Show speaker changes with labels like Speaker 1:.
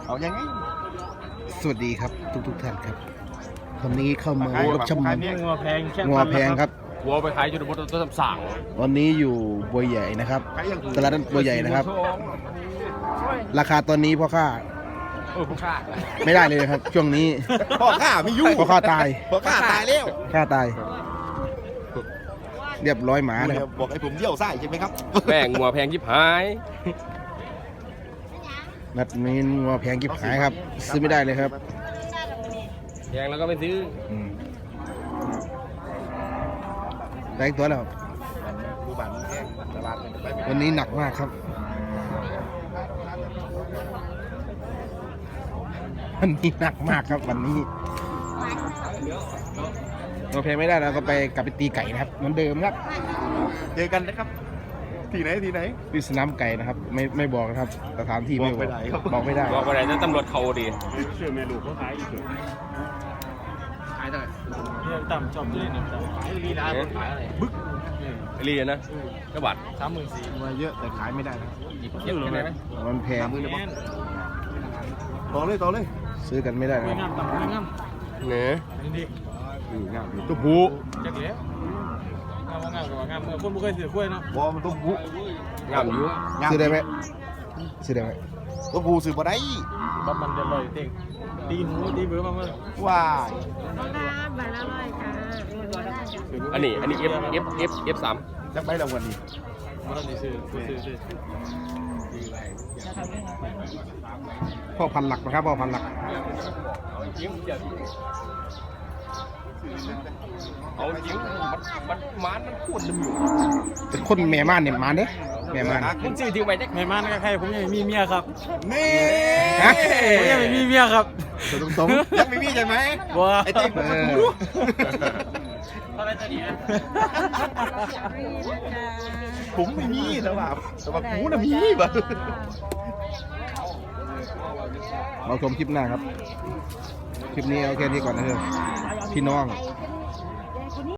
Speaker 1: เอายังไง
Speaker 2: สวัสดีครับทุกท่านครับวันนี้เข้ามารับชม
Speaker 3: งัวแพงแค่
Speaker 2: งัวแพงครับ
Speaker 3: วัวไปขายจุดบดต้นสั่ง
Speaker 2: วันนี้อยู่บัวใหญ่นะครับตลาดบัวใหญ่นะครับ ราคาตอนนี้พ่อค้า
Speaker 3: ผู้ค่า
Speaker 2: ไม่ได้เลยนะครับ ช่วงนี้
Speaker 1: พ่อข้าไม่ยุ่ง
Speaker 2: พ่อค้าตาย
Speaker 1: พ่อข้าตายแล้ว
Speaker 2: ค่าตาย เรียบร้อยหมานะครับ
Speaker 1: บอกให้ผมเยี่ยวไส้ใช่ไหมครับ
Speaker 3: แม่งงัวแพงยิบหาย
Speaker 2: นัดนี้งัวแพงกิบหายครับ ซื้อไม่ได้เลยครับ
Speaker 3: แพงแล้วก็ไม่ซื้อ
Speaker 2: อืมได้อีกตัวแล้ว
Speaker 1: ดูบัตรแห้งตลาดมันไป
Speaker 2: วันนี้หนักมากครับ วันนี้หนักมากครับวันนี้เราเพลงไม่ได้เราก็ไปกลับไปตีไก่นะครับเหมือนเดิมครับ
Speaker 1: เจอกันนะครับ ที่ไหนที่ไหน
Speaker 2: ที่สนามไก่นะครับ ไม่บอกนะครับสถานที่ไม่
Speaker 1: บอกไม่ได้ครับ
Speaker 2: บอกไม่ได้
Speaker 3: บอกไปไหนจะตำรวจเขาดี
Speaker 4: เชื่อแม่ลูกเขาขายอีก
Speaker 3: ขายเท่าไหร่
Speaker 4: เนี่ยต่ำชอบเลยเนี่ยต่ำลีลาขายอะไรบึ๊ก
Speaker 3: เรียนนะกระบาด
Speaker 4: 34,000
Speaker 1: มาเยอะแต่ขายไม่ได้นะ
Speaker 3: เยอะเลยไหม
Speaker 2: มันแพง
Speaker 1: มือเลยต่อเลยต่อเลย
Speaker 2: ซื้อกันไม่ได้นะ
Speaker 4: ไม่งามต่ำไม่งาม
Speaker 3: เนื้อ
Speaker 4: นี่ดิ
Speaker 1: งาม
Speaker 3: ตัวผู้
Speaker 4: จักแล้วงามงามกับงามเมื่อคนไม่เคยถือกล้วยเนาะ
Speaker 1: บอมันต้องบุ
Speaker 3: งามอยู่
Speaker 2: ซื้อได้ไหมซื้อได้ไหม
Speaker 1: ต้องบูซื้อมาได้
Speaker 4: บับมันจะลอยเต็งตีหูตีเบื่อมาเมื่อ
Speaker 1: ว้าย
Speaker 5: บาทละร้อยค่ะ
Speaker 3: อันนี้F3
Speaker 1: จักใบรางวัลนี้
Speaker 4: มันต้องซื้อ
Speaker 2: พ่อพันหลักนะครับพ่อพันหลัก
Speaker 3: เอาจริงมันพูดลืมอยู่
Speaker 2: เป็นคนแม่ม่านเนี่ยมาเด้แม่ม่าน
Speaker 3: มึงซื้อทิ้งไปจัก
Speaker 4: แม่มันก็ใครผมยังไม่มีเมียครับ
Speaker 1: นี่
Speaker 2: ฮะ
Speaker 4: ผมยังไม่มีเมียครับ
Speaker 2: ตรง
Speaker 1: ยังไม่มีใช่ไหม
Speaker 4: บัว
Speaker 1: ไอ้ติ๊ก
Speaker 2: ๆเออ
Speaker 4: อะไรจะดีนะ
Speaker 1: ผมไม่มีแต่ว่ากูน่ะมีแบบ
Speaker 2: เราชมคลิปหน้าครับ คลิปนี้เอาแค่นี้ก่อนนะครับพี่น้อง
Speaker 5: ไ